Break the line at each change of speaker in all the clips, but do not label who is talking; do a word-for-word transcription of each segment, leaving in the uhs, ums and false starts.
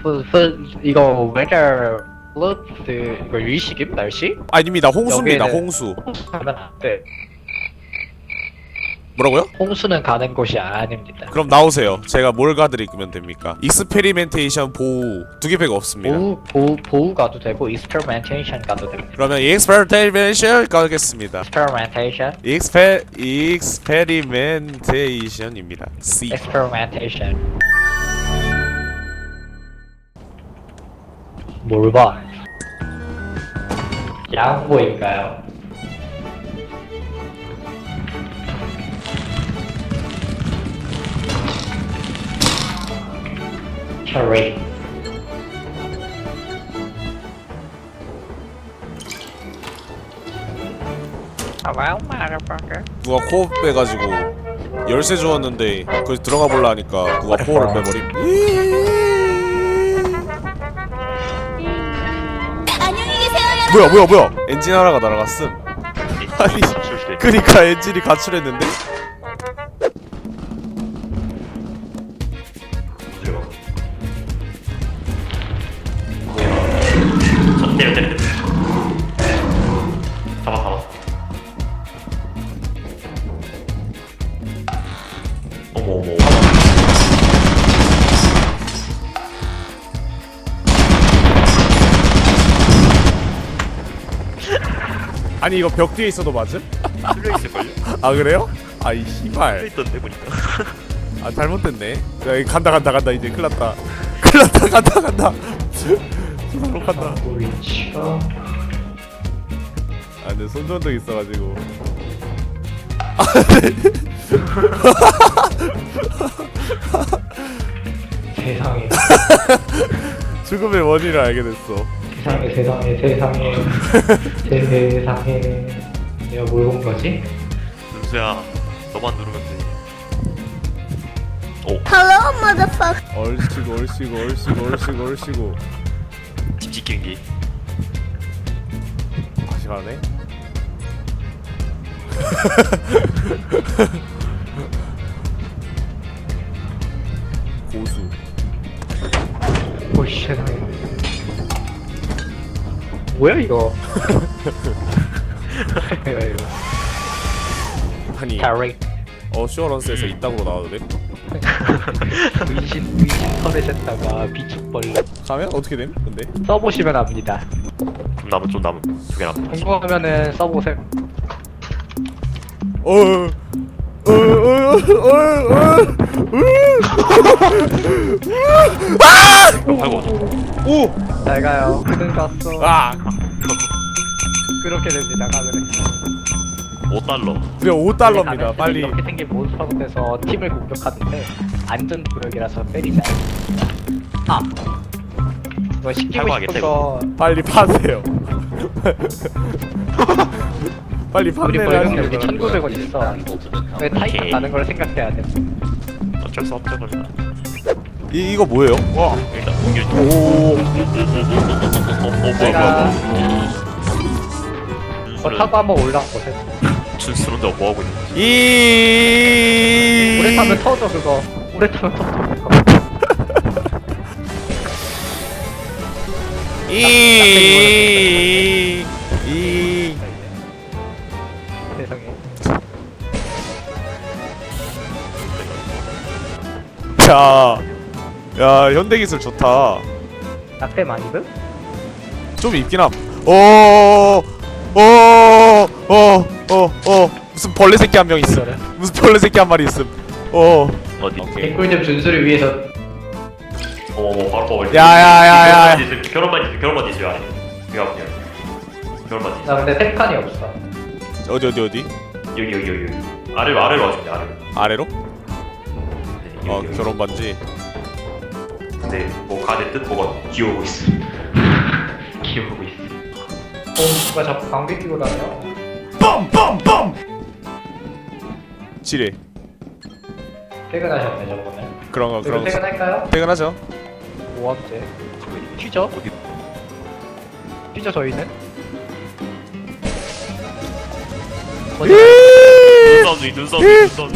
그, 그, 이거 weather alert 이거 유의식임 날씨?
아닙니다. 홍수입니다.
여기에는-
홍수.
가면 안 돼.
뭐라고요?
홍수는 가는 곳이 아닙니다.
그럼 나오세요. 제가 뭘 가드리면 됩니까? 익스페리멘테이션 보호 두 개밖에 없습니다.
보호 보호 보호 가도 되고 experimentation 가도 됩니다.
그러면 익스페리멘테이션 가겠습니다.
experimentation,
익스페 익스페리멘테이션입니다. C.
experimentation. 뭘 봐? 양보인가요? Cherry. Hello, motherfucker.
누가 코어 빼가지고 열쇠 주었는데 그 들어가 볼라 하니까 누가 코어를 빼버림.
안녕히 계세요, 여러분.
뭐야 뭐야 뭐야? 엔진 하나가 날아갔음. 아니 그니까 엔진이 가출했는데?
저 때려 때려 때려 잡아 잡아 어머 어머
아니 이거 벽 뒤에 있어도 맞음?
뚫려있을걸요?
아 그래요? 아이 씨발.
뚫려있던데 보니까
아 잘못됐네. 야 이거 간다 간다 간다 이제 큰일났다. 큰일났다 간다 간다. 수사로 간다.
보이죠?
아 근데 손전등 있어가지고.
세상에,
죽음의 원인을 알게 됐어.
세상에, 세상에, 세상에, 세상에. 내가 뭘 본 거지?
눈수야 너만 누르면 돼 오!
Hello, motherfucker.
얼씨구 얼씨구 얼씨구 얼씨구 얼씨구.
집 지키기
다시 가네. 고수.
오 세상에. 뭐야 이거? 뭐야 이거?
아니
Cherry.
어슈어런스에서 이따구로 나와도 돼?
의신 의신 털에셨다가 비축벌
가면 어떻게 됨? 근데?
써보시면 압니다.
좀 남은 좀 남은 두 개 남은
궁금하면은 써보세요.
어. 어. 어. 어.
이거 팔고
오!
잘 가요. 그는 갔어.
아!
그렇게 됩니다. 가면은.
오 달러
그래 오 달러입니다. 빨리.
이렇게 생긴 몬스터에서 팀을 공격하는데 안전 구역이라서 때리자. 아. 이거 시키고
사과하겠다,
싶어서
빨리 파세요. 빨리
우리
판매를
벌금
하시는
여기 천구백 원 있어. 왜 타이탄
오케이.
나는 걸 생각해야 돼.
어쩔 수 없죠 그러면
이 이거 뭐예요? 와.
일단 공격 좀
오.
어, 어 뭐야
제가
뭐야
어,
준수는
타고 한번 올라가보세요.
준수는 너 뭐하고 있는 거지?
이.
오래 타면 터져 그거. 오래 타면 터져 그거.
이. 이.
세상에.
야. 야, 현대 기술 좋다.
낙대 많이 든?
좀 있긴 함. 오. 오. 어. 어. 어. 무슨 벌레 새끼 한 명 있음. 무슨 벌레 새끼 한 마리 있음. 어.
어디?
오케이.
개꿀잼 준수를 위해서
어머 바로 뽑을
야야야야.
결혼 반지 결혼 반지 있어요 안에 이거 그냥 결혼 반지
나 근데 탭칸이 없어.
어디 어디 어디?
여기 여기 여기 여기 아래로 아래로 와주세요 아래로
아래로?
네,
어,
여기, 여기.
결혼 반지.
근데 뭐 가대 뜻 뭐가 기어오고 있어 기어오고 있어
어, 누가 자꾸 방귀 끼고 다녀?
빰빰빰. 지뢰.
퇴근하셨네 저번에.
그런 거 그런
그럼
거.
퇴근할까요?
퇴근하죠.
뭐하지? 튀죠?
어디
튀죠 저희는?
눈싸움이 눈싸움이 눈싸움이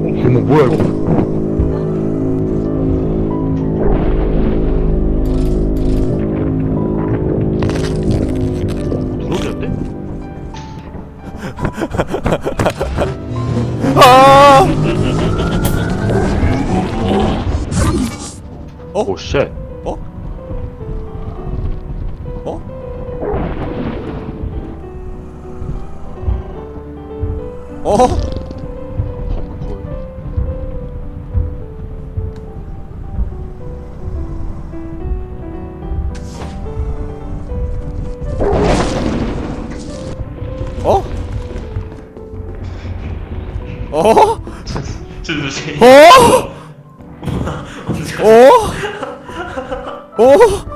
어머 뭐야 이거? 드론이었대?
아! 어?
오 쉣.
어? 어? 어?
준수 씨.
어?
언제 가?
어? 어?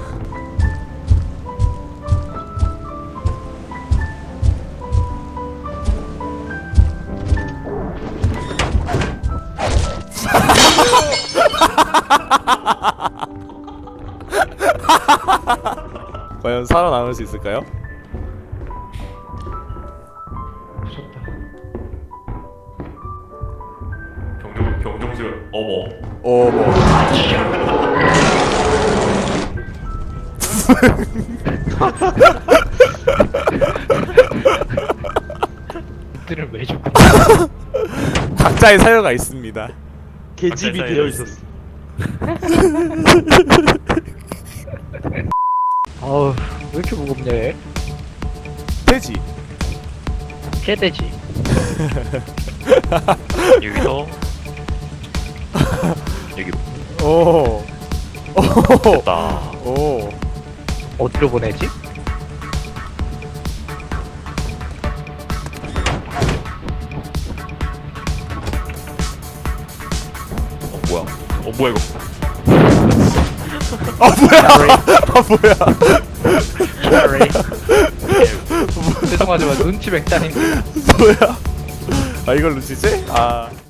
과연 살아남을 수 있을까요?
무섭다.
병정 병정술 어머.
어, 뭐.
들은 왜 죽고?
각자의 사유가 있습니다.
계집이
사이에
되어
있어.
있었어.
아우 왜 이렇게 무겁냐 얘?
돼지.
개돼지.
여기서 여기
오. 오.
다.
오.
어디로 보내지?
어 뭐야? 어 뭐야 이거?
아 뭐야? 아 뭐야?
Sorry. 죄송하지만 눈치 백단인데.
뭐야? 아 이걸 놓치지? 아.